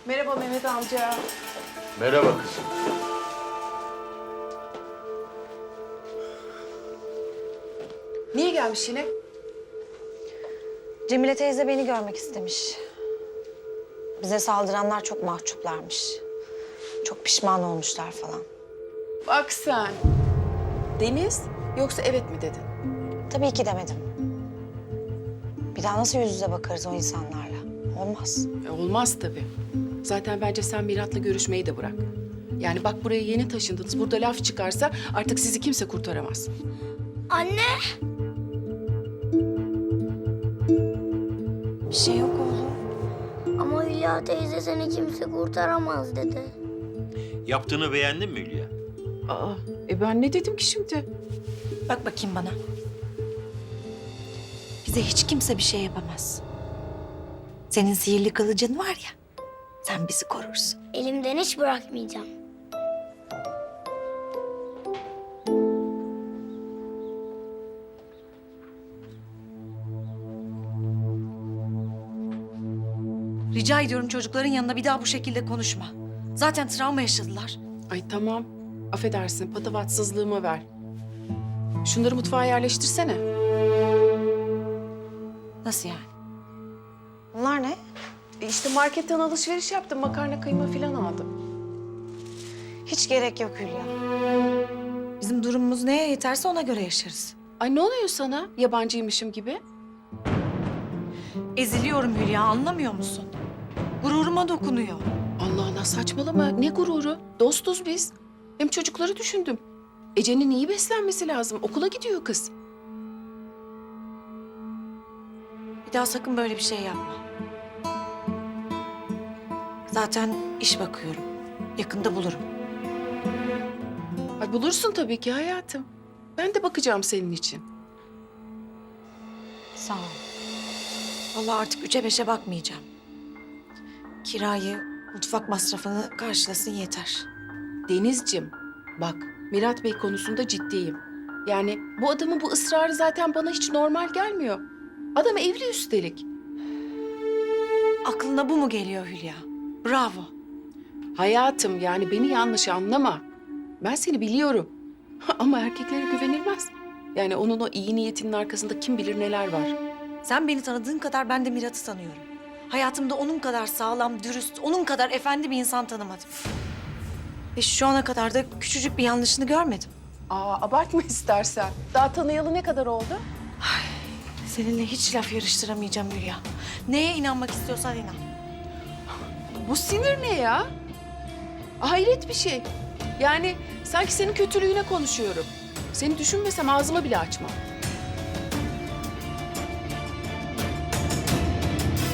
Merhaba Mehmet amca. Merhaba kızım. Niye gelmiş yine? Cemile teyze beni görmek istemiş. Bize saldıranlar çok mahcuplarmış. Çok pişman olmuşlar falan. Bak sen. Deniz yoksa evet mi dedin? Tabii ki demedim. Bir daha nasıl yüz yüze bakarız o insanlarla? Olmaz. Olmaz tabii. Zaten bence sen Mirat'la görüşmeyi de bırak. Yani bak buraya yeni taşındınız. Burada laf çıkarsa artık sizi kimse kurtaramaz. Anne! Bir şey yok oğlum. Ama Hülya teyze seni kimse kurtaramaz dedi. Yaptığını beğendin mi Hülya? Aa, ben ne dedim ki şimdi? Bak bakayım bana. Bize hiç kimse bir şey yapamaz. Senin sihirli kılıcın var ya, sen bizi korursun. Elimden hiç bırakmayacağım. Rica ediyorum çocukların yanında bir daha bu şekilde konuşma. Zaten travma yaşadılar. Ay tamam. Affedersin patavatsızlığımı ver. Şunları mutfağa yerleştirsene. Nasıl yani? Bunlar ne? İşte marketten alışveriş yaptım. Makarna kıyma falan aldım. Hiç gerek yok Hülya. Bizim durumumuz neye yeterse ona göre yaşarız. Ay ne oluyor sana? Yabancıymışım gibi. Eziliyorum Hülya, anlamıyor musun? Gururuma dokunuyor. Allah Allah saçmalama. Ne gururu? Dostuz biz. Hem çocukları düşündüm. Ece'nin iyi beslenmesi lazım. Okula gidiyor kız. Bir daha sakın böyle bir şey yapma. Zaten iş bakıyorum. Yakında bulurum. Ay bulursun tabii ki hayatım. Ben de bakacağım senin için. Sağ ol. Vallahi artık üçe beşe bakmayacağım. Kirayı, mutfak masrafını karşılasın yeter. Denizciğim, bak Mirat Bey konusunda ciddiyim. Yani bu adamın bu ısrarı zaten bana hiç normal gelmiyor. Adam evli üstelik. Aklına bu mu geliyor Hülya? Bravo. Hayatım yani beni yanlış anlama. Ben seni biliyorum. Ama erkeklere güvenilmez. Yani onun o iyi niyetinin arkasında kim bilir neler var. Sen beni tanıdığın kadar ben de Mirat'ı tanıyorum. Hayatımda onun kadar sağlam, dürüst, onun kadar efendi bir insan tanımadım. Ve şu ana kadar da küçücük bir yanlışını görmedim. Aa abartma istersen. Daha tanıyalı ne kadar oldu? Seninle hiç laf yarıştıramayacağım Hülya. Neye inanmak istiyorsan inan. Bu sinir ne ya? Hayret bir şey. Yani sanki senin kötülüğüne konuşuyorum. Seni düşünmesem ağzımı bile açmam.